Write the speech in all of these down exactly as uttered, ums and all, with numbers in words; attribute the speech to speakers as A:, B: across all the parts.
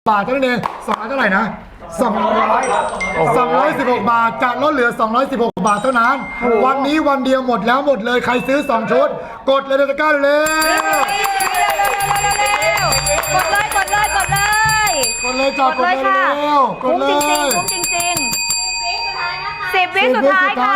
A: บาทเท่านั้นเองสองร้อยเท่าไหร่นะสองร้อยสองร้อยสิบหกบาทจะลดเหลือสองร้อยสิบหกบาทเท่านั้นวันนี้วันเดียวหมดแล้วหมดเลยใครซื้อสองชุดกดเลยตะกร้าเลย
B: กดเลยกดเลยกดเลย
A: กดเลยจ้ากดเลยเร็วกดเลย
B: คุ้มจริงๆคุ้มจริงๆสิบวิสุดท้ายค่ะ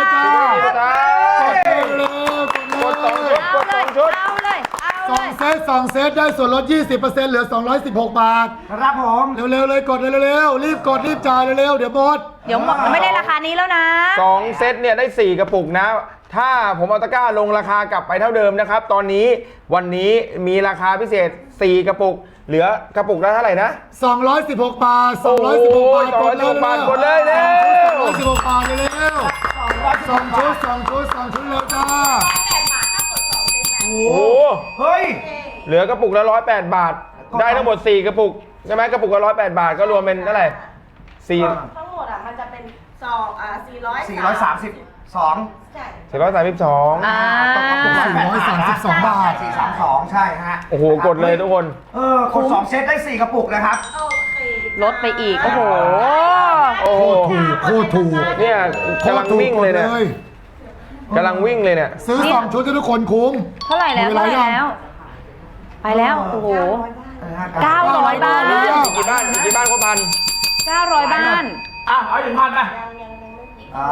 A: กดเลยกดเลย
B: เอาเลยเอาเลย
A: สองเซตสองเซตได้ส่วนลด ยี่สิบเปอร์เซ็นต์ เหลือสองร้อยสิบหกบาท
C: ครับผม
A: เร็วๆเลยกดเร็วๆรีบกดรีบจ่ายเร็วๆเดี๋ยวหมด
B: เดี๋ยวหมดไม่ได้ราคานี้แล้วนะ
D: สองเซตเนี่ยได้สี่กระปุกนะถ้าผมเอาตะกร้าลงราคากลับไปเท่าเดิมนะครับตอนนี้วันนี้มีราคาพิเศษสี่กระปุกเหลือกระปุกละเท่าไหร่นะ
A: สองร้อยสิบหกบาทสองร้อยสิบหกบาท
D: กดเลยกดเลยเร็ว
A: สองร้อยสิบหกบาทเร็วสองชุดสองชุดสองชุดเร็วจ้า
D: โอ้โห
C: เฮ้ย
D: เหลือกระปุกละร้อยแปดบาทได้ทั้งหมดสี่กระปุกใช่ไหมกระปุกละร้อยแปดบาทก็รวมเป็นเท่าไหร่สี่
E: ทั้งหมดอ่ะมันจะเป็นสองอ่าสี่ร้อย
C: สี่ร้อยสามสิบสอง
D: สี่ร้อยสามสิบสอง
B: อ่า
A: สี่ร้อยสามสิบสองบาท
C: สี่สามสองใช่ฮะ
D: โอ้โหกดเลยทุกคน
C: เออกดสองเซตได้สี่กระปุกนะครับ
B: ลดไปอีกโอ้โห
D: โอ้โห
A: ถูกโคตรถูก
D: เนี่ยกำลังวิ่งเลยเนี่ยกำลังวิ่งเลยเนี่ย
A: ซื้อสองชุดให้ทุกคนคุ้ม
B: เท่าไหร่แล้วเท่าไหร่แล้วไปแล้วโอ้โหเก้าร้อยบ้าน
D: กี่บ้านกี่บ้านก็พัน
B: เก้าร้อยบ้าน
C: อ่ะเอาถึงพันนะอ่า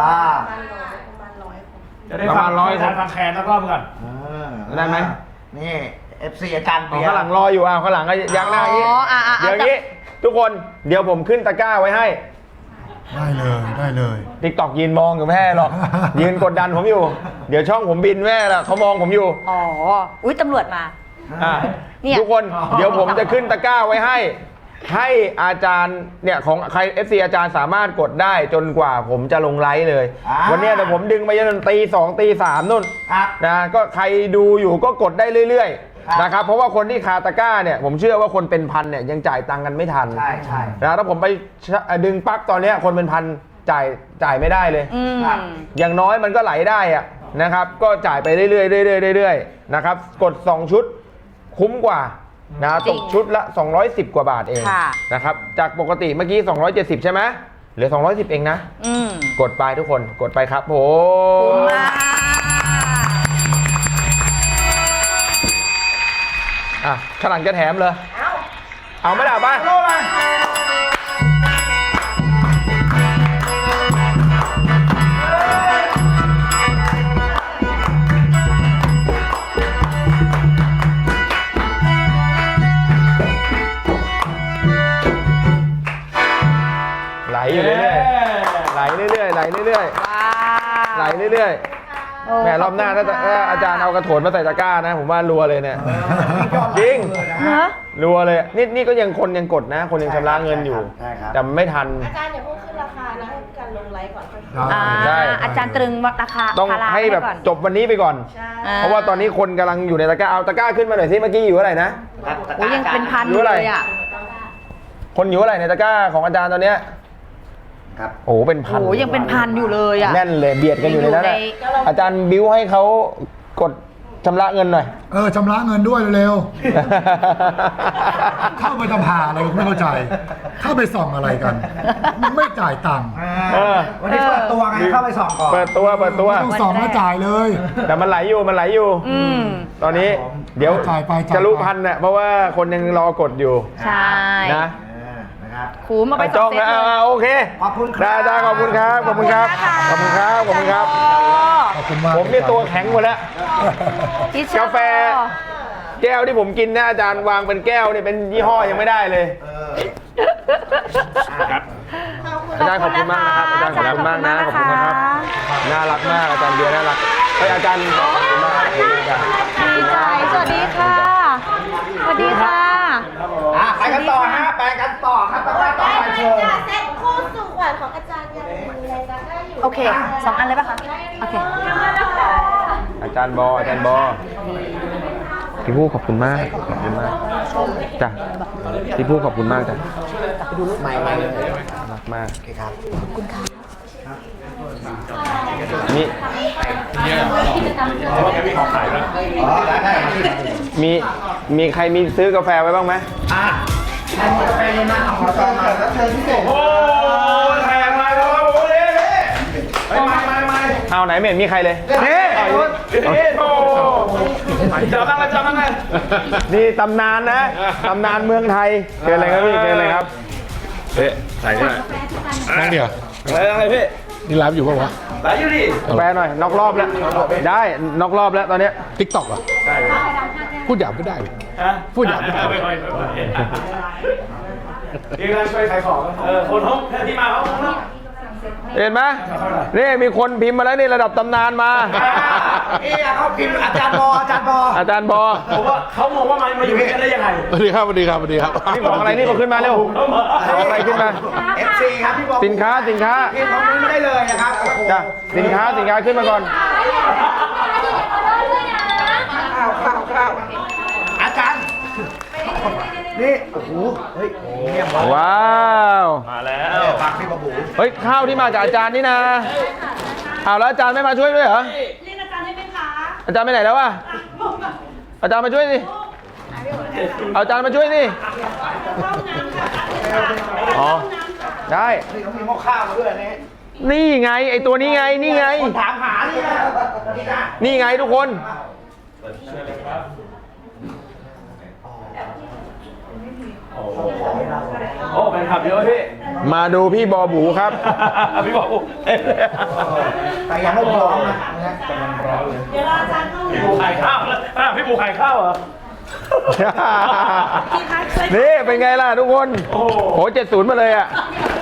D: จะได้ฟังร้อยคน
C: ฟังแคนแล้วก็เพื่อน
D: ได้ไหม
C: นี่เอฟซีอาจารย์เบียร์
D: ข้างหลังรออยู่อ่ะข้างหลังก็ยักหน้าอย่างนี้เดี๋ยวนี้ทุกคนเดี๋ยวผมขึ้นตะกร้าไว้ให้
A: ได้เลยได้เลย
D: ติ๊กตอกยืนมองอยู่แม่หรอกยืนกดดันผมอยู่เดี๋ยวช่องผมบินแม่ละเขามองผมอยู่
B: อ๋ออุ้ยตำรวจมา
D: ทุกคนเดี๋ยวผมจะขึ้นตะกร้าไว้ให้ให้อาจารย์เนี่ยของใคร เอฟ ซี อาจารย์สามารถกดได้จนกว่าผมจะลงไลฟ์เลยวันนี้เดี๋ยวผมดึงไปจนตีสองตีสามนู่นนะก็ใครดูอยู่ก็กดได้เรื่อยๆนะครับเพราะว่าคนที่คาตะกร้าเนี่ยผมเชื่อว่าคนเป็นพันเนี่ยยังจ่ายตังค์กันไม่ทัน
C: ใช่ใช่
D: นะถ้าผมไปดึงปั๊กตอนนี้คนเป็นพันจ่ายจ่ายไม่ได้เลยอย่างน้อยมันก็ไหลได้อะนะครับก็จ่ายไปเรื่อยๆเรื่อยๆเรื่อยๆนะครับกดสองชุดคุ้มกว่านะตกชุดละสองร้อยสิบกว่าบาทเองนะครับจากปกติเมื่อกี้สองร้อยเจ็ดสิบใช่ไหมเหลือสองร้อยสิบเองนะกดไปทุกคนกดไปครับโหอ่ะข้างหลังจะแถมเลยเอาไม่ได้ป่ะไหลอยู่เรื่อยๆไหลเรื่อยๆไหลเรื่อยๆไหลเรื่อยๆแม่รอบหน้าถ้าอาจารย์เอากระโถนมาใส่ตะกร้านะผมว่ารัวเลยเนี่ยจริงรัวเลยนี่นี่ก็ยังคนยังกดนะคนยังชำระเงินอยู่แต่ไม่ทัน
E: อาจารย์อย่าเพิ่งขึ้นราคานะให้การลงไลฟ์ก่อน
B: ใช่อาจารย์ตรึงราคา
D: ต้องให้แบบจบวันนี้ไปก่อนเพราะว่าตอนนี้คนกำลังอยู่ในตะกร้าเอาตะกร้าขึ้นมาหน่อยสิเมื่อกี้อยู่เท่าไหร่นะ
B: โอ้ยังเป็นพันอยู่เลยอ่ะ
D: คนอยู่เท่าไหร่ในตะกร้าของอาจารย์ตอนเนี้ย
C: ครับ
D: โอ้เป็นพัน
B: โอ้ยังเป็นพันอยู่เลยอ่ะ
D: แน่นเลยเบียดกันอยู่ในนั้นอาจารย์บิ้วให้เขากดชำระเงินหน่อย
A: เออชำระเงินด้วยเร็วๆเข้าไปทำหาอะไรไม่เข้าใจเข้าไปส่องอะไรกันไม่จ่ายตังค์
C: วันนี้เปิดตัวไงเข้าไปส่องก่อน
D: เปิดตัวเปิดตัว
A: ต้องส่องแล้วจ่ายเลย
D: แต่มันไหลอยู่มันไหลอยู่ตอนนี้เดี๋ยวจะรู้พันเนี่ยเพราะว่าคนยังรอกดอยู่
B: ใช่
D: นะ
B: คูมาไป
D: จ้องนะโอเค
C: ขอบคุณครับ
D: ได้ขอบคุณครับขอบคุณครับขอบคุณครับขอบคุณครับผมนี่ตัวแข็งหมดแล้วกาแฟแก้วที่ผมกินนะอาจารย์วางเป็นแก้วนี่เป็นยี่ห้อยังไม่ได้เลยอาจารย์ขอบคุณมากนะครับอาจารย์ขอบคุณมากนะขอบคุณนะครับน่ารักมากอาจารย์เบียร์น่ารักเฮ้ยอาจารย์ขอบคุณมาก
B: ดีใจสวัสดีค่ะสวัสดีค่ะ
C: ไปกันต่อฮะไปกันต่อครับต่อไปต่อไปเชิญ
E: เซ็ตคู่สู่ขวัญของอาจารย์ยังมีอะไรกันได้อยู่
B: โอเคสองอันเลยป่ะคะโอเค
D: อาจารย์บออาจารย์บอพี่ผู้ขอบคุณมากขอบคุณมากจ้ะพี่ผู้ขอบคุณมากจ้ะ
C: ไม่ไม่
D: รักมาก
C: โอเคครับ
B: ขอบคุณค่ะ
D: นี่มีมีใครมีซื้อกาแฟไว้บ้างไหม
C: อ่ะกาแฟเย็นนะเอากาแฟเลยพิเศษ
D: โอ้แทงมาแล้วโอ้ยไม่ไม่ไม่ไม่เอาไหนไม่เห็นมีใครเลยนี่นี่โอ้จับบ้างเลยจับบ้างเลยนี่ตำนานนะตำนานเมืองไทยเกินอะไรครับพี่เกินอะไรครับเฮ้ยใส่ได้
F: นั่งเดียว
D: อะไรอะไรพี่
F: นี่ไลฟ์อยู่ป่าวะ
D: ไหลอยู่ดิแปลหน่อยนอกรอบแล้วได้นอกรอบแล้วตอนนี้
F: ทิกตอกเหรอพูดหยาบไม่ได้ดิพูดหยาบไม่ได้
D: นี่กำลังช่วยขายของเออคนห้องที่มาเขาเห็นไหมนี่มีคนพิมพ์มาแล้วนี่ระดับตำนานมา
C: นี่เขาพิมพ์อาจารย์บออาจารย์บอ
D: อาจารย์บอผมว่าเขามองว่ามันมาอยู่กันได้ยังไง
F: สวัสดีครับสวัสดีครับสวัสดีครับ
D: นี่ของอะไรนี่ก็ขึ้นมาเร็วของอะไรขึ้นมา
C: เอฟซีครับพี่บอ
D: สินค้าสินค้า
C: พิมพ์คอมเมนต์ไม่ได้เลยนะครับโอ้โห
D: จ้ะสินค้าสินค้าขึ้นมาก่อน
C: ข้าวข้าวข้าวอาจารย์นี่โอ้โหเฮ้ยเงียบ
D: ว้าว
C: มาแล้วฟังพี่บอบู
D: เฮ้ยข้าวที่มาจากอาจารย์นี่นะอ้าวแล้วอาจารย์ไม่มาช่วยด้วยเหรอ
E: เรียกอาจารย์ได้ไหมคะ
D: อาจารย์ไปไหนแล้ววะอาจารย์มาช่วยสิเอาอาจารย์มาช่วยสิอ๋อได้
C: นี่เขามีหม้อข้าวมาด้วยนี่
D: นี่ไงไอตัวนี้ไงนี่ไง
C: คนถามหานี่นะนี่นะ
D: นี่ไงทุกคน
G: โอ้แฟนคลับเยอะพี่
D: มาดูพี่บอบูครับ
G: พี่บอก
C: แต่ยังไม่พร้อมนะ
E: เดี๋ยวรออาจารย์เข้า
G: พี่ปูขายข้าวแล้วอ่ะพี่ปูขายข้าวเหรอ
E: พี่คะช่วย
D: นี่เป็นไงล่ะทุกคน
G: โอ้โห
D: โหเจ็ดศูนย์มาเลยอ่ะ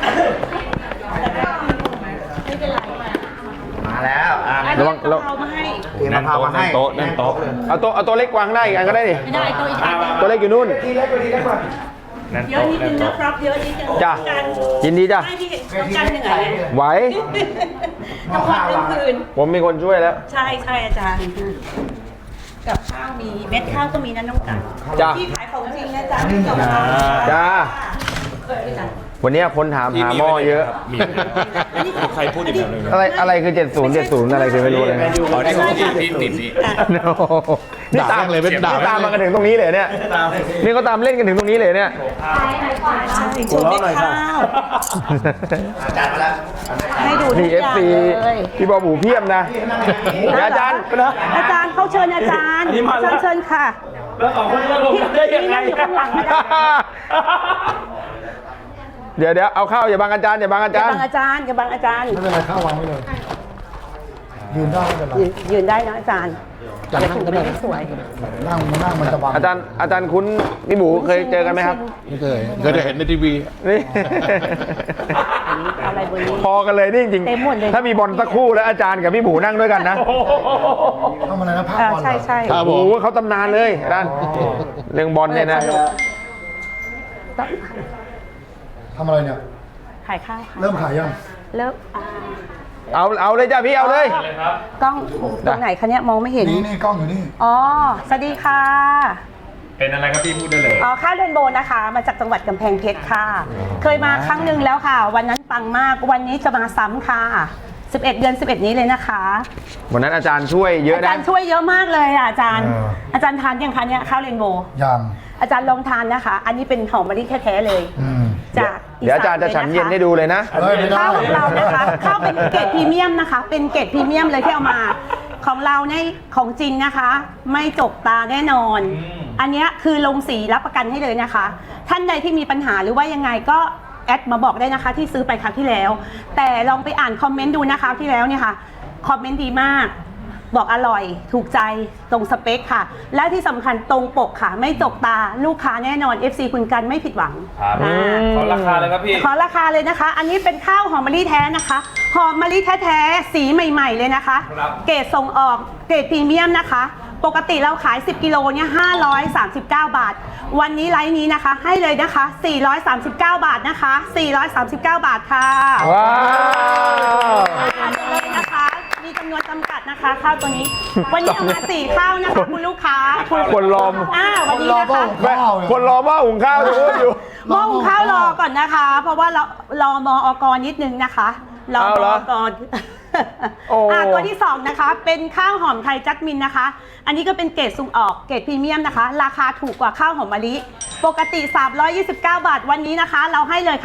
C: มาแล้วอ่ะ
D: ระวังระวัง
E: เอามาให้
C: เตรียมมะพร้าวมาให้
G: โต๊ะนั่นโต๊ะ
D: เอาตัวเอาตัวเล็กวางได้อีกอันก็ได้ดิ
E: ไม่ได้ตัวอีกอันหนึ่ง
D: ตัวเล็กอยู่นู่น
C: ทีเล็กกว่าทีเล็กกว่า
G: นั่น
E: เยอะ
G: โต๊ะ
E: นิด
G: นั่
E: นึ
G: น
E: งนะ
G: โต๊ะ
E: ครับเยอะนิดนึง
D: จ้ะ
E: กัน
D: ยินดีจ้ะ
E: ไม่พี่เห็นต้องกันเหนื่อย
D: ไหว
E: ทำความเป็นคืน
D: ผมมีคนช่วยแล้ว
E: ใช่ใช่อาจารย์ กับข้าวมีเม็ดข้าวก็มีนะน้องกัน
D: จ้ะ
E: พี่ขายของจริงนะจ๊ะพี่กับข้าว
D: จ้า วันนี้คนถามหาหม้อเยอะ
G: มีใครพูดอีกแบบนึง
D: อะไรอะไรคือเจ็ดศูนย์ เจ็ดศูนย์อะไรคือไม่รู้เลยนะ
G: อ๋อนี่เขาติดติดติดนี่
D: นี่
F: ด่า
D: ตาม
F: แม่งเลยเป็นด่า
D: นี่ตามมากันถึงตรงนี้เลยเนี่ย นี่ก็ตามเล่นกันถึงตรงนี้เลยเนี่ย
E: ใช่โชว์เม็ดข้าว
C: อาจารย์มาแล้ว
E: ให้ดูทุ
D: นี่
E: ก
D: เอ
E: อ
D: ฟ
E: ย่าง
D: ซี
E: เลย
D: พี่บอบูเพียบนะเดี๋ยวอาจารย์นะ
E: อาจารย์เขาเชิญอาจารย์เชิญเชิญค่ะ
G: แล้วสองคนก็ลงกันได้ยังไง
E: นี่นั่งอยู่ข้างหลังไม่ได้
D: เดี๋ยวเดี๋ยวเอาเข้าอย่าบังอาจารย์อย่าบังอา
E: อย่า
D: จารย์
E: บังอาจารย์อย่าบังอาจารย์
A: ไม่เป็นไรข้าววางไว้เลย ยืนได้ไม่เป็นไร
E: ยืนยืนได้นะอาจารย์
A: จะนั่งก็ได้
E: สวย
A: นั่งนั่งมันจะบัง
D: อาจารย์อาจารย์คุ้นพี่หมูเคยเจอกันไหมครับ
F: ไม่เคยเคยจะเห็นในทีวี
D: นี่
E: อะไรบนนี้
D: พอกันเลยนี่จริง
E: เต็มหมดเลย
D: ถ้ามีบอลสักคู่แล้วอาจารย์กับพี่หมูนั่งด้วยกันนะ
A: ทำอะไรนะภาพ
E: อ่า
A: บอลเหรอ
E: ใช่ใช่
F: ครับ
D: โอ้โหเขาตำนานเลยอาจารย์เรื่องบอลเนี่ยนะ
A: ทำอะไรเนี่ย
E: ขายข้าวค่ะ
A: เริ่มขายยัง
E: เริ่มอ่า
D: เอาเอาเลยจ้าพี่เอาเลย
E: กล้องตรงไหนคะเนี่ยมองไม่เห็น
A: นี่นี่กล้องอยู่นี่
E: อ๋อ สวัสดีค่ะ
G: เป็นอะไรครับพี่พูดได้เลย
E: อ๋อ ข้าวเรนโบว์นะคะ มาจากจังหวัดกำแพงเพชรค่ะ เคยมาครั้งหนึ่งแล้วค่ะ วันนั้นปังมาก วันนี้จะมาซ้ำค่ะ สิบเอ็ดเดือนสิบเอ็ดนี้เลยนะคะ
D: วันนั้นอาจารย์ช่วยเยอะ
E: อา
D: นะ
E: จารย์ช่วยเยอะมากเลยอ่ะอาจารย์
A: เออ
E: อาจารย์ทานยังคะเนี่ยข้าวเรนโบว์
A: ยัง
E: อาจารย์ลองทานนะคะ อันนี้เป็นหอมมะลิแท้ๆเลย
A: อืม
E: จาก
D: เดี๋ยวอาจารย์จะฉันเย็นให้ดูเลยนะ
A: เฮ้ยไม่ได้
E: ข้าวของเรานะคะ ข้าวเป็นเกรดพรีเมียมนะคะ เป็นเกรดพรีเมียมเลยที่เอามา ของเราเนี่ยของจริงนะคะ ไม่จกตาแน่นอน อันเนี้ยคือลงสีรับประกันให้เลยนะคะ ท่านใดที่มีปัญหาหรือว่ายังไงก็แอดมาบอกได้นะคะ ที่ซื้อไปครั้งที่แล้ว แต่ลองไปอ่านคอมเมนต์ดูนะคะที่แล้วเนี่ยค่ะคอมเมนต์ดีมาก บอกอร่อยถูกใจตรงสเปคค่ะ และที่สำคัญตรงปกค่ะ ไม่จกตาลูกค้าแน่นอน เอฟ ซี คุณกันไม่ผิดหวัง
G: ครับ
E: อ่า
G: ขอราคาเลยครับพี่
E: ขอราคาเลยนะคะ อันนี้เป็นข้าวหอมมะลิแท้นะคะ หอมมะลิแท้ๆ สีใหม่ๆเลยนะคะ
G: ครับ
E: เกรดส่งออก เกรดพรีเมียมนะคะ ปกติเราขาย สิบ กิโลเนี่ยห้าร้อยสามสิบเก้า บาท วันนี้ไลฟ์นี้นะคะ ให้เลยนะคะ สี่ร้อยสามสิบเก้า บาทนะคะ สี่ร้อยสามสิบเก้า บาทค่ะ
D: ว้าว
E: ทานเลยนะคะ มีจำนวนจำกัดนะคะ ข้าวตัวนี้ วันนี้เอามาสี่ข้าวนะคะคุณลูกค้าคุณ
D: คนรอม
E: อ่าวันนี้นะคะ
A: ข้าวเนี่ย
D: คนรอหม้อหุงข้าวอยู่อยู่
E: หม้อหุงข้าวรอก่อนนะคะ เพราะว่าเรารอมอกนิดนึงนะคะรอ
D: เอา
E: ม
D: เหรอ
E: อก
D: โอ้
E: อ่ะตัวที่สองนะคะ เป็นข้าวหอมไทยจัสมินนะคะ อันนี้ก็เป็นเกรดส่งออกเกรดพรีเมียมนะคะ ราคาถูกกว่าข้าวหอมมะลิปกติสามร้อยยี่สิบเก้า บาทวันนี้นะคะ เราให้เลยค่ะ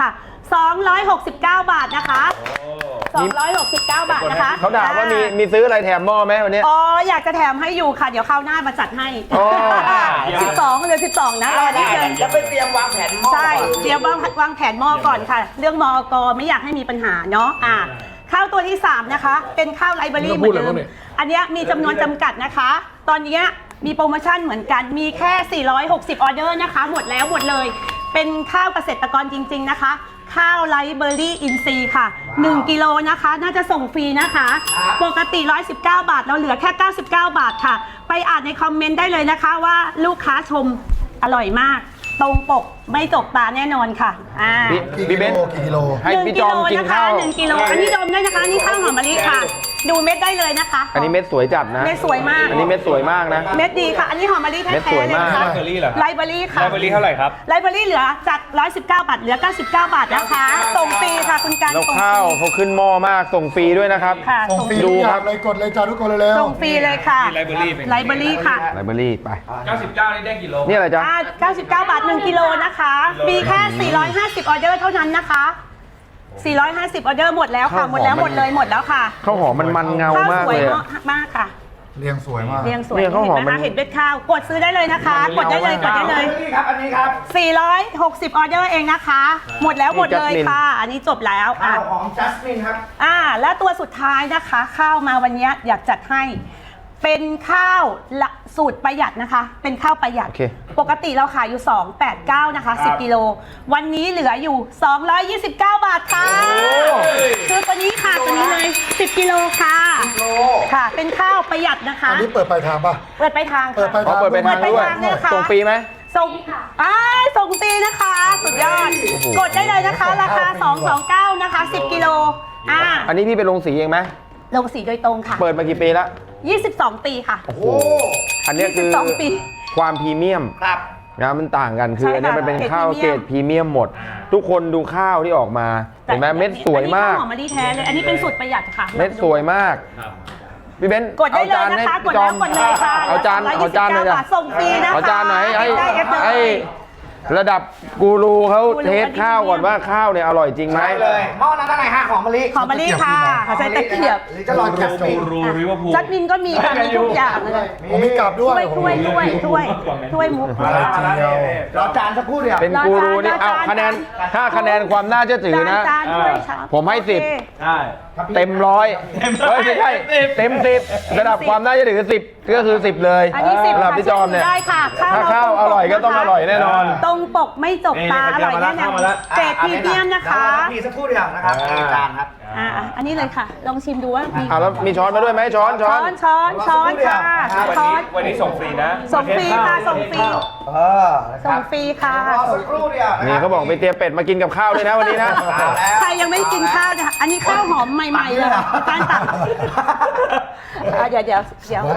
E: สองร้อยหกสิบเก้า บาทนะคะสองร้อยหกสิบเก้า บาทนะคะ
D: เขาถามว่ามีมีซื้ออะไรแถมหม้อไหมวันนี้
E: อ๋ออยากจะแถมให้อยู่ค่ะ เดี๋ยวคราวหน้ามาจัดให้
D: อ๋อ
E: สิบสองเหลือสิบสองนะรอนิดนึง
C: จะไปเตรียมวางแผนหม้อ
E: ใช่เดี๋ยววางวางแผนหม้อก่อนค่ะ เรื่องมอกไม่อยากให้มีปัญหาเนาะอ่ะข้าวตัวที่สามนะคะ เป็นข้าวไลบรารีเหมือนเดิมอันเนี้ยมีจำนวนจำกัดนะคะ ตอนเนี้ยมีโปรโมชั่นเหมือนกันมีแค่สี่ร้อยหกสิบออเดอร์นะคะ หมดแล้วหมดเลย เป็นข้าวเกษตรกรจริงๆนะคะ ข้าวไลเบอรี่อินซีย์ค่ะหนึ่งกิโลนะคะ น่าจะส่งฟรีนะคะ ปกติหนึ่งร้อยสิบเก้า บาทเราเหลือแค่เก้าสิบเก้า บาทค่ะ ไปอ่านในคอมเมนต์ได้เลยนะคะว่าลูกค้าชมอร่อยมาก ตรงปกไม่จกตาแน่นอนค่ะอ่า
D: พี่
A: กี่
D: พี่
A: กิ
D: เบน
A: โล
D: ซ์
A: กี่กิโล
D: ให้พี่จอมกิน
E: นะคะ
D: ข้าว
E: หนึ่งกิโลอันนี้ดมได้นะคะนี่ข้าวหอมมะลิค่ะ ดูเม็ดได้เลยนะคะ
D: อันนี้เม็ดสวยจัดนะ
E: เม็ดสวยมาก
D: อันนี้เม็ดสวยมากนะ
E: เม็ดดีค่ะ อันนี้หอมมะลิแท้
D: เม็ดสวย
E: ๆเลย
D: มาก
E: นะคะ
G: ไลเบอรี่เหรอ
E: ไลเบอรี่ค่ะ
G: ไลเบอรี่เท่าไหร่ครับ
E: ไลเบอรี่เหลือจากหนึ่งร้อยสิบเก้า บาทเหลือเก้าสิบเก้า บาทนะคะ ส่งฟรีค่ะคุณการ
D: แล้ว
E: ส่งฟ
D: ข้าว
E: รี
D: เขาขึ้นหม้อมากส่งฟรีด้วยนะครับ
E: ค่ะ
A: ส่ง
E: ส่ง
A: ฟรี
D: ดู
A: ทุกอ
D: ครั
A: ย่าง
D: บ
A: เลยกดเลยจ้าทุกคนเร็ว
E: ส่งฟรีเลยค่ะ
G: ไลเบอรี่เป็น
E: ไลเบอรี่ค่ะ
D: ไลบรารีไป
G: เก้าสิบเก้านี่ได้กี่โล
D: นี่อะไรจ๊ะ
E: อ่าเก้าสิบเก้า บาทหนึ่งกิโลนะคะ มีแค่สี่ร้อยห้าสิบออเดอร์เท่านั้นนะคะสี่ร้อยห้าสิบออเดอร์หมดแล้วค่ะ
D: ข้าวหอม
E: หมดแล้ว
D: มัน
E: หมดเลยหมดแล้วค่ะ
D: ข้าวหอมมันมันเงามาก
E: สว
D: เลย ย
E: มา
D: อะ
E: กมากค่ะ
A: ๆเรียงสวยมาก
E: เรียงสวย
D: เนี่ยข้าวหอม
E: เห็นไหม
D: มัน
E: คะเห็นเม็ดข้าวกดซื้อได้เลยนะคะ กดได้เลยกดได้เลย
C: นี่ครับ อันนี้ครับ
E: สี่ร้อยหกสิบออเดอร์เองนะคะ หมดแล้วหมดเลยค่ะ อันนี้จบแล้ว
C: ข้า
E: อ่ะ
C: วหอมจัสมินครับ
E: อ่าแล้วตัวสุดท้ายนะคะ ข้าวมาวันนี้อยากจัดให้ เป็นข้าวละสูตรประหยัดนะคะ เป็นข้าวประหยัด
D: โอเค
E: ปกติเราขายอยู่สองแปดเก้านะคะสิบกิโลวันนี้เหลืออยู่สองร้อยยี่สิบเก้า บาทค่ะคือตัวนี้ค่ะตัวนี้เลยสิบกิโลค่ะ
C: โล
E: ค่ะ เป็นข้าวประหยัดนะคะ
A: อันนี้เปิดปลายทางป่ะ
E: เปิดไปทาง
A: เปิด
E: ค่ะ
A: ไป
D: อ๋อเปิดไปทางด้วย
E: เปิดไปทางเนี่ยค่ะ
D: ส่งฟรีไหม
E: ส่งอ่าส่งฟรีนะคะ สุดยอด
D: โอ้โห
E: กดได้เลยนะคะ ราคา สองสองเก้า นะคะ สิบกิโลอ่า
D: อันนี้พี่ไปลงสีเองไหม
E: ลงสีโดยตรงค่ะ
D: เปิดมากี่ปีแล้ว
E: ยี่สิบสอง ปีค่ะ
D: โอ้โหอันเนี้ยคือ
E: ยี่สิบสองปี
D: ความพรีเมียม
C: ครับ
D: นะมันต่างกันคือ
E: ใช่ค่ะ
D: อันเนี้ยมันเป็น
E: เกรด
D: ข้าว
E: พรีเมียม
D: เกรดพรีเมียมหมด ทุกคนดูข้าวที่ออกมาเห็นไหมเม็ดสวยมาก
E: อันนี้ข้าวหอมมะลิแท้เลย อันนี้เป็นสูตรประหยัดค่ะ
D: เม็ดสวยมากพี่เบนซ์
E: กดได้
D: เอา
E: เลย
D: จาน
E: นะ
D: ให้
E: คะ ก
D: พี่
E: ด
D: จอ
E: แล้ว
D: ม
E: กดเลยค่ะ
D: เอาจานเอาจานหน่อย
E: ร้
D: จ้ะ
E: บาทส่งฟรีนะคะ
D: เอาจานไหนให้
E: ได้เอฟเลย
D: ให้ระดับกูรูเขา
E: กูรู
D: เทสข้าวก่อนว่าข้าวเนี่ยอร่อยจริงไหม
C: ได้เลย หม้อนั้นเท่าไหร่ฮะหอมมะลิ
E: หอมมะลิค่ะใส่ตะเกียบ
C: หรือจะลองจัสมิน
G: รูริเวอร์พูล
E: จัดมินก็มีค่ะ มีทุกอย่างเลย
A: ผมมีกลับด้วย
E: ถ้วยถ้วยถ้วยถ้วยถ้วยมุก
A: อะไรเจียว
C: รอจานสักครู่เดียว
D: เป็นกูรูนี่เอาคะแนนถ้าคะแนนความน่าเชื่อถือนะ
E: จานๆด้วยค่ะ
D: ผมให้สิบ
E: โอเค
G: ใช่
D: เต็มร้อยเฮ้ยไม่ใช่เต็มสิบระดับความน่าเชื่อถือสิบก็คือสิบเลย
E: อันนี้สิบ
D: สำหรับ
E: ค่ะ
D: พี่จอมเนี่ย
E: ได้ค่ะ
D: ถ้าข้าวอร่อยก็ต้องอร่อยแน่นอน
E: ตรงปกไม่จกตา
G: นี่
E: อร่อยแน่น
G: เข้า
E: อน
G: มาแล้ว
E: เกรดพรีเมียมนะคะ
C: เดี๋ยวรอพี่สักครู่เดียวนะครับนี่จานครับ
E: อ่าอันนี้เลยค่ะ ลองชิมดูว่ามี
D: อ่ะแล้วมีช้อนมาด้วยไหมช้อนช้
E: ช้
D: อ
E: อน นช้อนช้อนค่ะ
G: วัน
E: ช้อ
G: นี้
E: น
G: วันนี้ส่งฟรีนะ
E: ส่งฟรีค่ะส่งฟรี
C: เออนะค
E: ส่
C: รั
E: ง
C: บ
E: ฟรีค่ะ
C: รอสักครู่เดียวะครับ
D: นี่เขาบอกไปเตรียมเป็ดมากินกับข้าวด้วยนะวันนี้นะ
C: เอาแล้ว
E: ใครยังไม่กินข้าวนะคะอันนี้ข้าวหอมใหม่ๆเลยการตักอ่ะเดี๋ยวเดี๋ยวเดี๋ยว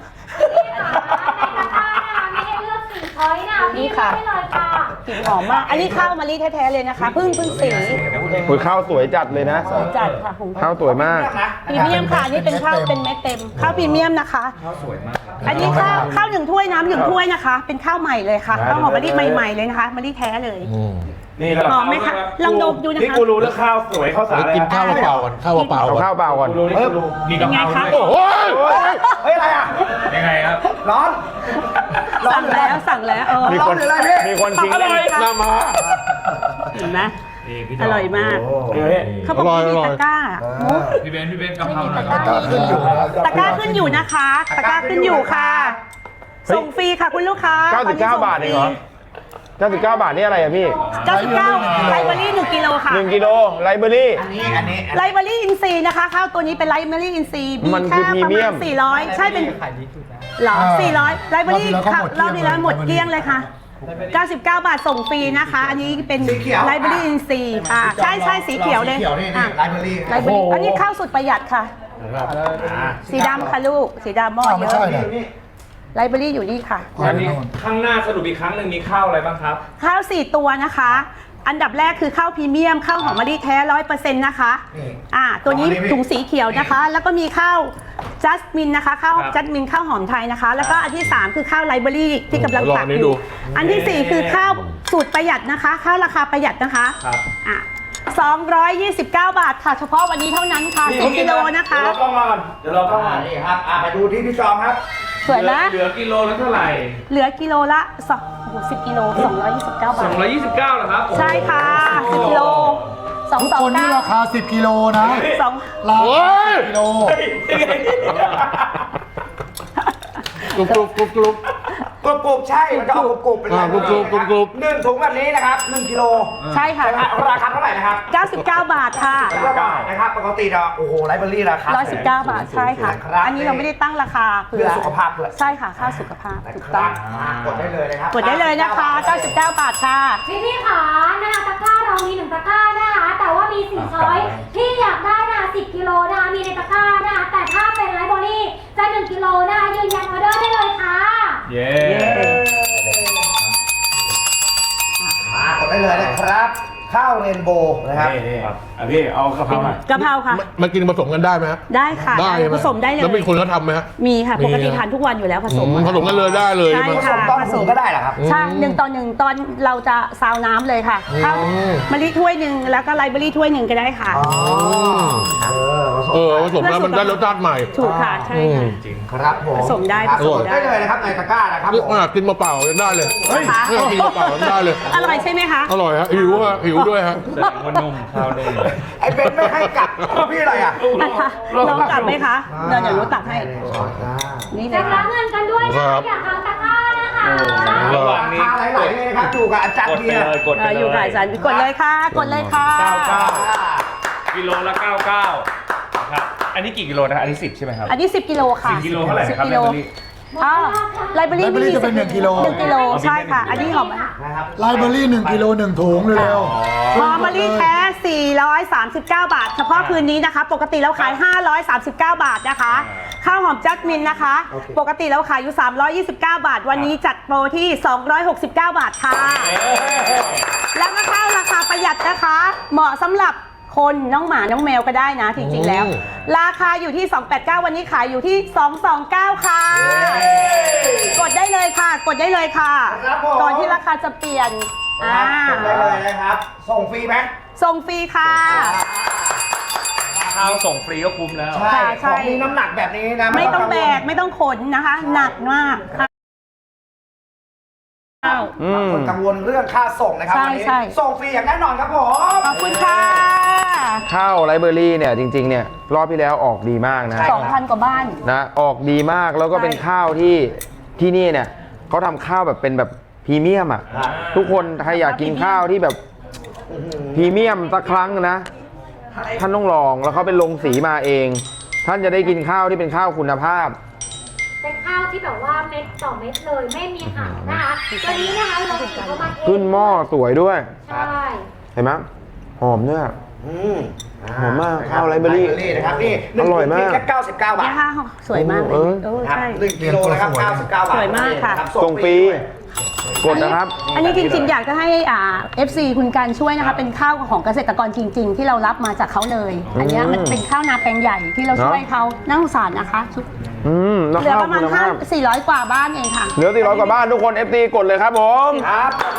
H: ไม่ให้เลือกสีช้อยนะพี่ไม่ให้เลยค่ะ
E: กลิ่นหอมมาก อันนี้ข้าวมะลิแท้ๆเลยนะคะเพิ่งเพิ่งสี
D: คุยข้าวสวยจัดเลยนะ
E: จัดค่ะหุง
D: ข้าวสวยมาก
E: พรีเมียมค่ะอันนี่เป็นข้าวเป็นเม็ดเต็ม ข้าวพรีเมียมนะคะ อันนี้ข้าวข้าวหนึ่งถ้วยน้ำหนึ่งถ้วยนะคะ เป็นข้าวใหม่เลยค่ะข้าวหอมมะลิใหม่ๆเลยนะคะมะลิแท้เลย
G: นี่
E: หอมไหมคะลองดมดูนะคะ
G: นี่กูรู้เรื่องข้าวสวยข้าวสาร
F: เดี๋ยวกินข้าวเปล่าๆก่อนข้าวเปล่าๆ
D: เอา
F: ก่อน
D: ข้าวเปล่าก่อน
G: กูรู้นี่กูรู้มีกะเพรา
E: เป็นไงคะ
G: ด้วย
D: โอ้ย
C: เฮ้ยอะไรอ่ะ
G: ยังไงครับ
C: ร้อน ร้อน
E: สั่งแล้วสั่งแล้วเออ
D: มีคน
C: ร้อนหรืออะไรพี่
D: มีคนทิ้ง
E: อร่อยค่ะ
D: หน้ามา
E: เห็นไหม
G: นี่พี่จ
E: อร่อยมาก
G: เฮ้ย
E: เขาบอกว่ามีตะกร้า
G: พี่เบนซ์พี่เบนซ์กะเพราหน่อย
A: ตะกร้าขึ้นอยู่นะ
E: ตะกร้าขึ้นอยู่นะคะ ตะกร้าขึ้นอยู่ค่ะ ส่งฟรีค่ะคุณลูกค้า
D: เก้าสิบเก้าบาทเองเหรอเก้าสิบเก้าบาทนี่อะไรอะพี่
E: เก้าสิบเก้าไลเบอรี่หนึ่งกิโลค่ะ
D: หนึ่งกิโลไลเบอรี่
C: อันนี้ อันนี้
E: ไลเบอรี่อินซีนะคะข้าวตัวนี้เป็นไลเบอรี่อินซี
D: มันคือพรีเมียม
E: สี่ร้อยใช่เป็นเหรอสี่ร้อยไลเบอรี่ค่ะรอบนี้แล้วหมดเกลี้ยงเลยค่ะเก้าสิบเก้า บาทส่งฟรีนะคะ อันนี้เป็น
C: สีเขียว
E: ไลเบอรี่อินซีอ่าใช่ใช่สีเขียวเลย
C: สีเขียวนี่
E: อ่ะ
C: นี่ไลเบอรี่
E: ไลเบอรี่อันนี้ข้าวสุดประหยัดค่ะ
C: อ่า
E: สีดำค่ะลูก สีดำหม้อ
A: อ้าว
E: เย
A: ไม่
E: อะ
A: ใช่นะ
C: นี่
E: ไลเบอรี่อยู่นี่ค่ะ
G: อันนี้ข้างหน้าสรุปอีกครั้งหนึ่งมีข้าวอะไรบ้างครับ
E: ข้าวสี่ตัวนะคะ อันดับแรกคือข้าวพรีเมียมข้าวหอมมะลิแท้ร้อยเปอร์เซ็นต์นะคะ
C: นี่
E: อ่าตัวนี้
C: อ๋อนี่
E: ถุงสีเขียวนะคะ แล้วก็มีข้าวจัสมินนะคะข้าว
G: ครับ
E: จัสมินข้าวหอมไทยนะคะ แล้วก็อันที่สามคือข้าวไลเบอรี่ที่กำลัง
F: ลอง
E: ตัก
F: อันนี้
E: อ
F: ดู
E: ยู่อันที่สี่คือข้าวสูตรประหยัดนะคะ ข้าวราคาประหยัดนะคะ
G: ครับ
E: อ่ะสองร้อยยี่สิบเก้า บาทค่ะ เฉพาะวันนี้เท่านั้นค่ะ สิบ กิโลนะคะ
G: เดี๋ยวเรากล้องมาก่อนเดี๋ยวเรากล้อง
C: อ่า
G: มา
C: นี่ครับอ่าไปดูที่พี่จอมครับ
E: สวยไหม
G: เหลือกิโลละเท่าไหร่
E: เหลือกิโลละสองโอ้โหสิบกิโลสองร้อยยี่สิบเก้า
G: ส
E: บา
G: อง
E: ท
G: ร้อยยี่สิบเก้าเหรอครับ
E: ใช่ค่ะสิบกิโลสอง
A: ทุก
E: สอง
A: คนนี่
E: เก้า
A: ราคาสิบกิโลนะ
E: สอง
A: ราคาสิบกิโล
F: กรุบกรุบกรุบกรุบ
C: กรุบกรุบใช่มันจะออกกรุบกรุบเป็น
F: อ่ากรุบกรุบกรุบกรุบ
C: หนึ่งถุงแบบนี้นะครับหนึ่งกิโล
E: ใช่ค่ะ
C: ราคาเท่าไหร่นะครับ
E: เก้าสิบเก้า บาทค่ะ
C: เก้าบาทนะครับปกติเราโอ้โหไลฟ์เบอรี่ราคา
E: ร้อยสิบเก้า บาทใช่ค่ะ
C: ครับ
E: อันนี้เราไม่ได้ตั้งราคาเผื่
C: เพื่อสุขภาพด้วย
E: ใช่ค่ะค่าสุขภาพ
C: นะ
E: ถูก
C: ค
E: ต้
C: รั
E: อบ ง
C: อ่ากดได้เลยนะครับ
E: กดได้เลยนะคะเก้าสิบเก้า บาทค่ะ
H: พี่พี่ขานะคะตะกร้าเรามีหนึ่งตะกร้านะคะ แต่ว่ามีสี่ช้อยที่อยากได้นะคะสิบกิโลนะคะมีในตะกร้านะคะแต่ถ้าเป็นไลฟ์บอรี่จะหนึ่งกิโลนะคะยืนยันออเดอร์ได้เลยค่ะ
G: เย้
C: มากดได้เลยนะครับ ข้าวเรนโบว์นะครับ
G: นี่ครับอ่ะพี่เอากะเพราหน่อย
E: กะเพราค่ะ
F: มันกินผสมกันได้ไหมฮะ
E: ได้ค่ะ
F: ได้ไห
E: ผสมได้เลย
F: แล้วมีคนเขาทำไหมฮะ
E: มีค่ะ
F: มี
E: ปกติ
F: นะ
E: ทานทุกวันอยู่แล้วผสม
F: อืมผสมกันเลยได้เลย
E: ใช่
F: ไหม
C: ผสมต้นถุงก็ได้เหรอครับ
E: ใช่หนึ่งต่อหนึ่งตอนเราจะซาวน้ำเลยค่ะข้าว
F: อืม
E: มะลิถ้วยหนึ่งแล้วก็ไลฟ์เบอรี่ถ้วยหนึ่งก็ได้ค่ะ
C: อ๋อ เออผสม
F: เออผสมแล้วมันได้รสชาติใหม่
E: ถูกค่ะใช่
F: อืม
E: ค่ะ
G: จริง
C: ครับผม
E: ผสมได้
C: ครับ
E: ผสมได้
C: ได้เลยนะครับในตะกร้านะครับ
F: นี่
C: ผม
F: ขนาดกินเปล่าๆยังได้เลย
E: เฮ้ย
F: นี่กินเปล่าๆยังได้เลย
E: อร่อยใช่ไหมคะ
F: อร่อยฮะหิวฮะหิวด้วยฮะ
G: แสดงว่านุ่มข้าวนุ่ม
C: ไอ้เบนไม่ให้กลับพี่อะไรอ่ะ
E: นะคะน้องกลับไหมคะเดี๋ยวเดี๋ยวรู้ตักให้ นี่เล
H: จะ
E: ย
H: รั
E: ค่ะ
H: บเงินกันด้วยนะ
F: ครั
H: คะ
F: บ
H: อยากทำตะกร้านะคะ
G: ระหว่าง
C: รา
G: นี้
C: คาไหลๆเลยนะครับอยู่กับอาจารย์
G: กด
C: เบี
G: ไป
C: ยร์
G: เลยกด
E: เอ
G: ไป
E: อ
G: เลย
E: อยู่กับอาจารย์กดเลยค่ะ กดเลยค่ะ
G: เก้าเก้ากิโลละเก้าเก้าครับอันนี้กี่กิโลนะครับอันนี้สิบใช่ไหมครับ
E: อันนี้สิบกิโลค่ะ
G: สิบกิโลเท่าไหร่นะครับ
E: สิบกิโล
G: ไลฟ์เบอรี่
E: อ้าวไลฟ์เบอรี่
A: ไลฟ์เบอรี่จะเป็นหนึ่งกิโล
E: หนึ่งกิโลใช่ค่ะ อันนี้หอมไหม
C: นะครับ
A: ไลฟ์เบอรี่หนึ่งกิโลหนึ่งถุงเร็วๆ
E: หอมมะลิแท้สี่ร้อยสามสิบเก้า บาท เฉพาะคืนนี้นะคะ ปกติเราขาย ห้าร้อยสามสิบเก้า บาทนะคะ ข้าวหอมจัสมินนะคะ ปกติเราขายอยู่ สามร้อยยี่สิบเก้า บาท วันนี้จัดโปรที่ สองร้อยหกสิบเก้า บาทค่ะ แล้วก็ข้าวราคาประหยัดนะคะ เหมาะสำหรับคนน้องหมาน้องแมวก็ได้นะจริงๆแล้ว
F: อืม
E: ราคาอยู่ที่ สองแปดเก้า วันนี้ขายอยู่ที่ สองสองเก้า ค่ะ กดได้เลยค่ะ กดได้เลยค่ะ
C: ครับผม
E: ก่อนที่ราคาจะเปลี่ยนอ่า
C: กดได้เลยนะครับ ส่งฟรีไหม
E: ส่งฟรีค่ะ
G: ข้าวส่งฟรีก็คุ้มแล้ว
C: ใช่
E: ใช่
C: ของมีน้ำหนักแบบนี้นะ
E: ไม่ต้องแบก ไม่ต้องขนนะคะ หนักมากข้าว
D: อื
C: บาง
D: ม
C: คนกังวลเรื่องค่าส่งนะครับ
E: ใช่
C: วันนี้
E: ใช่
C: ส่งฟรีอย่างแน่นอนครับผม
E: ขอบคุณค่ะ
D: ข้าวไรเบอรี่เนี่ยจริงๆเนี่ยรอบที่แล้วออกดีมากนะ
E: สองพันกว่าบ้าน
D: นะออกดีมากแล้วก็
E: ใช่
D: เป็นข้าวที่ที่นี่เนี่ยเขาทำข้าวแบบเป็นแบบพรีเมียมอ่ะ
C: ครับ
D: ทุกคนใครอยากกินข้าวที่แบบพรีเมียมสักครั้งนะ ท่านต้องลองแล้วเขาเป็นลงสีมาเอง ท่านจะได้กินข้าวที่เป็นข้าวคุณภาพ
H: เป็นข้าวที่แบบว่าเม็ดต่อเม็ดเลยไม่มีหางนะคะตัวนี้นะคะเราถึงเข้ามาเอง
D: ขึ้นหม้อสวยด้วย
H: ใช่
D: เห็นไหมหอมด้วย
C: อืม
D: หอมมากข้าวไรเบอรี่
C: นะครับนี่หนึ่ง
D: อร่อยมาก
C: ถุงเพีงแค่เก้าสิบเก้าบา
E: เนี่
C: ท
E: ยค่ะสวยมากเลย
D: เออ
E: เออ
C: ครับ
E: ใช่
C: หนึ่งกิโลนะครับเก้าสิบเก้าบาท
E: สวยมากค่ะ
C: รับ
D: ส่งฟรี
C: ด้วย
D: กดนะครับ
E: อันนี้จริงๆ อยากจะให้อ่า เอฟ ซี คุณการช่วยนะคะ เป็นข้าวของเกษตรกรจริง ๆ ที่เรารับมาจากเขาเลย อันเนี้ยมันเป็นข้าวนาแปลงใหญ่ที่เราช่วยเขาน่าสงสารนะคะชุด
D: อืมแล้ว
E: เหลือ
D: ข้าว
E: ประมาณ
D: คุณ
E: ห้า
D: ภาพ
E: สี่ร้อยกว่าบ้านเองค่ะ
D: เหลือสี่ร้อยกว่าบ้านทุกคน เอฟ ซี กดเลยครับผม
C: ครับเลย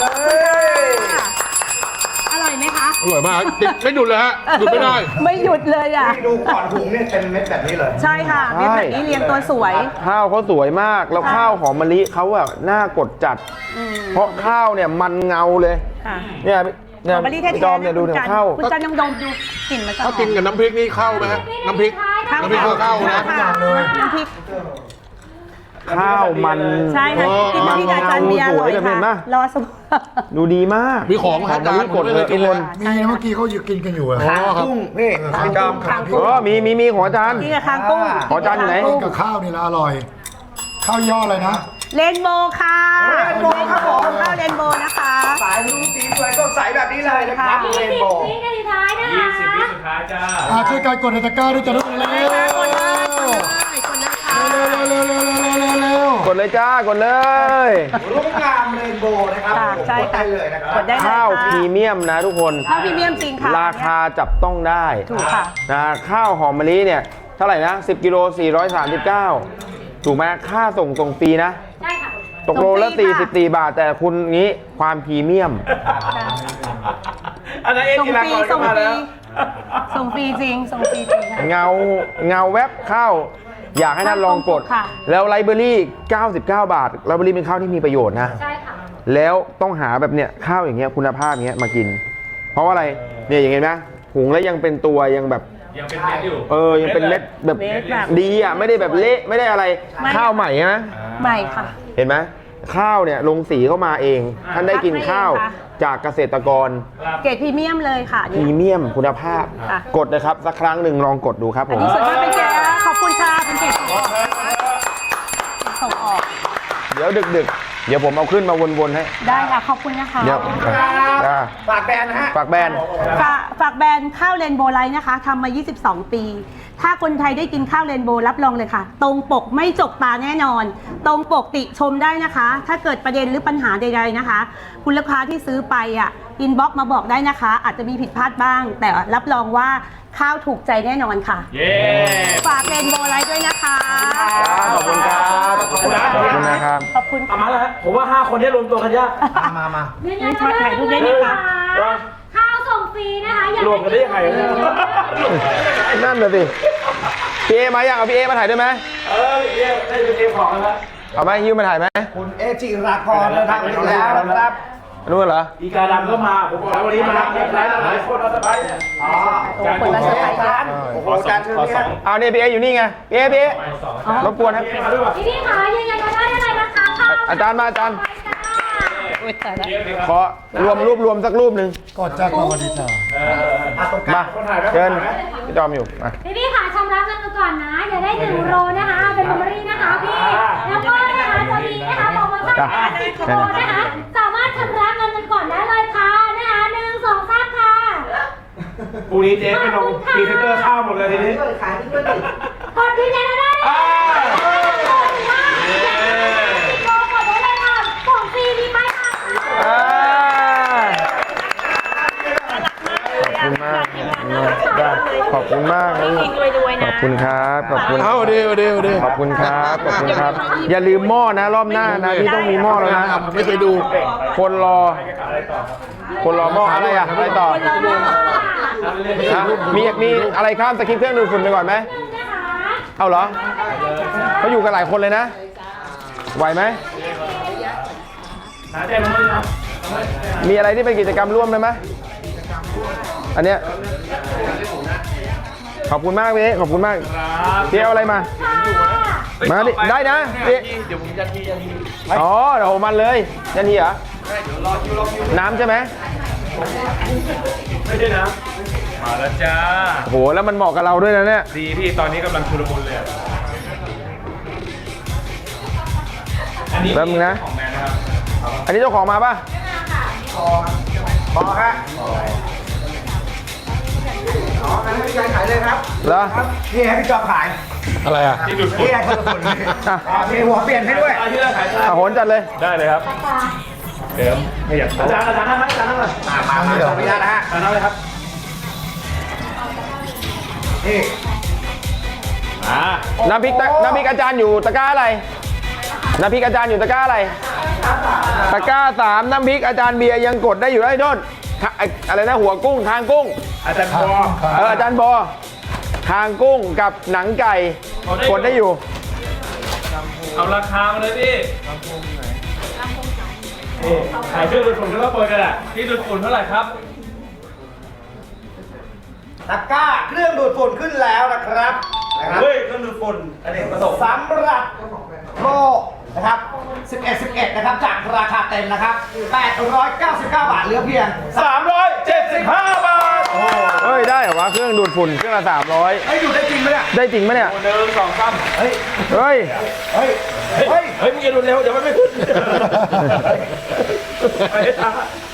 E: อร่อยไหมคะ
F: อร่อยมากติดไม่หยุดเลยฮะหยุดไม่ได้
E: ไม่หยุดเลยอ่ะ
C: นี่ดูก่อนถุงเนี่ยเป็นเม็ดแบบนี้เลย
E: ใช่ค่ะเม็ดแบบนี้เรียงตัวสวย
D: ข้าวเขาสวยมากแล้ว
E: ค่ะ
D: ข้าวหอมมะลิเขาอะน่ากดจัด
E: อืม
D: เพราะข้าวเนี่ยมันเงาเลย
E: ค่ะ
D: เนี่ยเนี่
E: ห
D: ย
E: อมมะลิแท้
D: พี่จอม
E: ๆ
D: เนี่ยดู
E: คุณ
D: เนี่ย
E: จัน
D: ข้าว
E: คุณจันยังดมดูกลิ่นมันจะหอ
F: ถ้าม กินกับน้ำพริกนี่เข้าไหมฮะน้ำพริก
E: ข้าว
F: น้ำพริกก็เข้านะ
E: ค่ะน้ำพริก
D: ข้าวมัน
E: ใช่ค่ะ
F: เออ
E: กินน้ำพริกกับอาจารย์เบียร์อร่อย
D: สวยแบบเห็นปะ
E: ค่ะรอสัก
D: ดูดีมาก
F: มีของไหม
D: หอ
F: ฮะ
D: ม
F: จาม
D: ะ
F: น
D: ลิกดเลยทุกคน
A: มีนะเมื่อกี้เขาอยู่กินกันอยู่อะ
F: อ๋อครับ
C: กุ้งนี่พี่จอม
E: คางกุ้ง
D: อ๋อมีมีมีของอาจารย์
E: กินกับคางกุ้ง
D: ขอจานอยู่ไหน
A: กินกับข้าวนี่ละอร่อย ข้าวย่ออะไรนะ
E: เรนโบว์ค่ะ
C: เรนโบว์ครับผม
E: ข้าวเรนโบว์นะคะ
C: สายรุ้งสีสวยสดใสแบบนี้เลยนะครับ
H: ยี่
C: เร
H: สิ
C: น
H: บ
C: โบว์
H: วินาทีท้ายนะ
G: ยี่
H: คะ
G: สิบวิสุดท้ายจ้า
A: อ่าช่วยกันกดในตะกร้าด้วยจ้ะทุกคนเร็ว
E: กดเลยกดเลยกดเลยค่ะ
A: เร็วเร็วเร็วเร็วเร็วเร็วเร็ว
D: กดเลยจ้ากดเลย
C: รุ่งงามเรนโบว์นะครับ
E: ค่ะ
C: ผม
E: ใช่
C: กด
E: ค่ะ
C: ได้เลยนะครับ
E: กดได้เลย
D: ข้าว
E: ค่ะ
D: พรีเมียมนะทุกคน
E: ข้าวพรีเมียมจริงค่ะ
D: ราคาจับต้องได้
E: ถูกค่ะ
D: นะข้าวหอมมะลิเนี่ยเท่าไหร่นะสิบกิโลสี่ร้อยสามสิบเก้าถูกไหมค่าส่งตรงฟรีนะ
H: ใช่ค่ะ
D: ตกโลละ
E: ส่งฟรีค่ะ
D: สี่สิบสี่บาทแต่คุณงี้ความพรีเมียม
G: อันนั้นเอ็น
E: ส่ง
G: กี
E: ฟ
G: ฬา
E: รี
G: กร
E: ส่ง
G: มา
E: ฟรี
G: แล้ว
E: ส่งฟรีจริงส่งฟรีจริงค่ะ
D: เงาเงาแวบข้าวอยากให้ท่านลองกด
E: ค่ะ
D: แล้วไลเบอรี่เก้าสิบเก้า บาทไลเบอรี่เป็นข้าวที่มีประโยชน์นะ
H: ใช่ค่ะ
D: แล้วต้องหาแบบเนี้ยข้าวอย่างเงี้ยคุณภาพอย่างเงี้ยมากิน เพราะว่าอะไรเนี่ยอย่างเงี้ยนะหุงแล้วยังเป็นตัวยังแบบ
G: ยังเป็นเม็ดอยู่
D: เออยังเป็นเม็ดแบบ
E: เม็ดแบบ
D: ดีอ่ะไม่ได้แบบเละไม่ได้อะไร
E: ไม่
D: ข้าวใหม่นะ
E: ใหม่ค่ะ
D: เห็นไหมข้าวเนี่ยลงสีเข้ามาเอง ท่านได้กินข้าว
E: คัดมาเองค่ะ
D: จากเกษตรกร
E: เกรดพรีเมียมเลยค่ะ
D: พรีเมียมคุณภาพ
E: ค่ะ
D: กดนะครับสักครั้งหนึ่งลองกดดูครับผ
E: อัน
D: ม
E: นี้ส่วนมากเป็นเกรดขอบคุณค่ะเป็นเกรดส่งออก
D: เดี๋ยวดึกๆ เดี๋ยวผมเอาขึ้นมาวนๆให้
E: ได้ค่ะขอบคุณนะคะ
D: เดี๋ยวอ่า
C: ฝากแบรนด์นะฮะ
D: ฝากแบรนด์
E: ฝากฝากแบรนด์ข้าวเรนโบว์ไลท์นะคะทำมา ยี่สิบสอง ปี ถ้าคนไทยได้กินข้าวเรนโบว์รับรองเลยค่ะ ตรงปกไม่จกตาแน่นอน ตรงปกติชมได้นะคะ ถ้าเกิดประเด็นหรือปัญหาใดๆนะคะ คุณลูกค้าที่ซื้อไปอ่ะอินบ็อกมาบอกได้นะคะ อาจจะมีผิดพลาดบ้าง แต่รับรองว่าข้าวถูกใจแน่นอนค่ะ
G: เย้
E: ฝากเรนโบว์ไลท์ด้วยนะคะ
D: ขอบคุณครับ ขอบคุณนะครับ
E: ขอบคุณ
G: เอามาแล้วฮะผมว่าห้าคนนี้รวมตัวกันยาก
C: มามามา
H: ยืนยันว่าได้ทุกได้นะคะข้าวส่งฟรีนะคะอย่าร
G: วมกันได้ยังไงเนี่ย
D: นั่นน่ะสิพี่เอมายังเอาพี่เอมาถ่ายด้วยไหม
G: เออเรียกได้เป็นเกมของกันแล้ว
D: เอาไหมฮิวมาถ่ายไหม
C: คุณเอจิรากรเดินทางมาถึงแล้วนะครับ
D: นู่นเหรอ
G: อีกาดำก็มา ผมบอกแล้ววันนี้มาหลายหลายคนเราสบายเนี่ย
C: อ๋อ
G: การ
E: คนละสไตล์
C: จานโอ้โหจานเชิญนี่ฮะ
D: เอาเนี่ยพี่เออยู่นี่ไงพี่เอพี่เอรบกวนครับ
H: พี่พี่คะยืนยันว่าได้อะไรนะคะข้าว
D: อาจารย์มาอาจารย์
H: ไปจ้า
D: ขอรวมรูปรวมสักรูปหนึ่ง
A: กดจากสวัสดีจ้า
C: อ่ะตรงก
D: มา
C: ลาง
D: เชิญพี่จอมอยู่มา
H: พี่พี่ค่ะชำระเงินกันก่อนนะอย่าได้หนึ่งโลนะคะ เป็นเมมโมรี่นะคะพี่ แล้วก็นะคะจะมีนะคะโปรโมชั่นนะคะหนึ่งโลนะคะ สามารถชำระเงินกันก่อนได้เลยค่ะนะคะหนึ่งสองสามค่ะ
G: พรุ่งนี้เจ๊ไปลงพรีเซนเตอร์ข้าวหมดเลยทีนี้
H: กดยืนยันได้เลยค่ะกดค่ะสิบโลกดได้เลยค่ะของฟรีมีป้ายค่ะ
D: อ่าขอบคุณมากขอบคุณมากขอบคุณครับ ขอบคุณ
F: เอาเดี๋ยวเดี๋ยวเดี๋ยว
D: ขอบคุณครับ ขอบคุณครับ อย่าลืมหม้อนะรอบหน้านะพี่ต้องมีหม้อแล้วนะ
F: ผมไม่เคยดู
D: คนรอ คนรอหม้ออะไรอ่ะอะไรต่อฮะมีมีอะไรข้ามสคริปต์เครื่องดูดฝุ่นไปก่อนไหม เอาเหรอเขาอยู่กันหลายคนเลยนะ ไหวไหม มีอะไรที่เป็นกิจกรรมร่วมได้ไหมอันเนี้ยขอบคุณมากพี่ขอบคุณมากพี่เอาอะไรมา มาดิได้นะพี่
G: เดี๋ยวผมยันทียันที
D: อ๋อเดี๋ยวมันเลยยันทีเหรอน้ำใช่ไหม
G: ไม่ใช่นะ มาแล้วจ้า
D: โอ้โหแล้วมันเหมาะกับเราด้วยนะเนี่ย
G: ดีพี่ตอนนี้กำลังชุลมุนเลยอะอันนี้
D: แป๊บนึงนะ
G: ของแมนนะครับ
D: อันนี้เจ้าของมาป่ะ
C: พอฮะอ๋องั้นให้พี่ชายขายเลยครับ
D: เหรอ
C: ครับนี่ให้พี่จอมขาย
F: อะไรอ่ะ
G: ที่ดูดฝุ่น
C: นี่ให้คนละคนเลยอ่ะมีหัวเปลี่ยนให้ด้วย
G: อาที่เราขาย
D: อ่ะโหนจัดเลย
G: ได้เลยครับเดิมไม่อยากอาจารย์อาจารย์นั่งไหมอาจารย์นั่งเลย
C: อ่ะมามาขออนุญาตนะฮะ
G: อาจารย์นั่งเลยครับ
C: นี่
G: อ่า
D: น้ำพริกตะน้ำพริกอาจารย์อยู่ตะกร้าอะไร น้ำพริกอาจารย์อยู่ตะกร้าอะไร ตะกร้าสามน้ำพริกอาจารย์เบียร์ยังกดได้อยู่ได้โดนไอ้อะไรนะหัวกุ้งคางกุ้ง
G: อาจารย์บอ
D: เอออาจารย์บอคางกุ้งกับหนังไก่กดได้อยู่
G: เอาราคามาเลยพี่นี่ขายเครื่องดูดฝุ่นก็ต้องเปิดกันแหละที่ดูดฝุ่นเท่าไหร่ครับ
C: ตะกร้าเครื่องดูดฝุ่นขึ้นแล้วนะครับนะครับ
G: เฮ้ยเครื่องดูดฝุ่นอันนี้ประสบ
C: สำหรับโลนะครับสิบเอ็ด สิบเอ็ดนะครับจากราคาเต็มนะครับแปดร้อยเก้าสิบเก้าบาทเหลือเพียง
G: สามร้อยเจ็ดสิบห้าบาท
D: เฮ้ยได้เหรอวะเครื่องดูดฝุ่นเครื่องละสามร้อย
C: เฮ้ยอยู่ได้จริงไหมเนี่ย
D: ได้จริงไหมเนี่ย
G: หนึ่งสองสาม
C: เฮ้ย
D: เฮ้ย
C: เฮ้ย
G: เฮ้
C: เฮ้
G: ย
C: ย
G: เฮ้ยมึงอย่าดูดเร็วเดี๋ยวมันไม่ขึ้นไปให้ช้า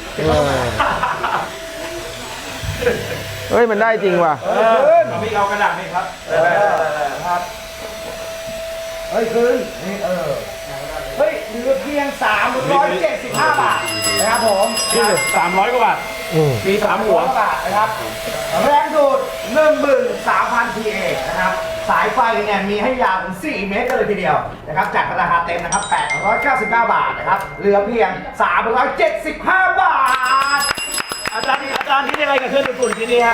D: เฮ้ยมันได้จริงว่ะ
G: เออมีเอากระดาษนี่ครับ
C: ครับเฮ้ยคืนนี่เออเฮ้ยเหลือเพียงสามร้อยเจ็ดสิบห้าบาทนะครับผม
G: นี่สามร้อยกว่าบาทมีสามหัว
C: บาทนะครับแรงดูด หนึ่งหมื่นสามพัน พี เอ นะครับสายไฟเนี่ยมีให้ยาวถึงสี่เมตรกันเลยทีเดียวนะครับจากราคาเต็มนะครับแปดร้อยเก้าสิบเก้าบาทนะครับเหลือเพียงสามร้อยเจ็ดสิบห้าบาท
G: อาจารย์อาจารย์
C: จารย์คิดยังไงกับเครื่องดูดฝุ่นชิ้นนี้ฮะ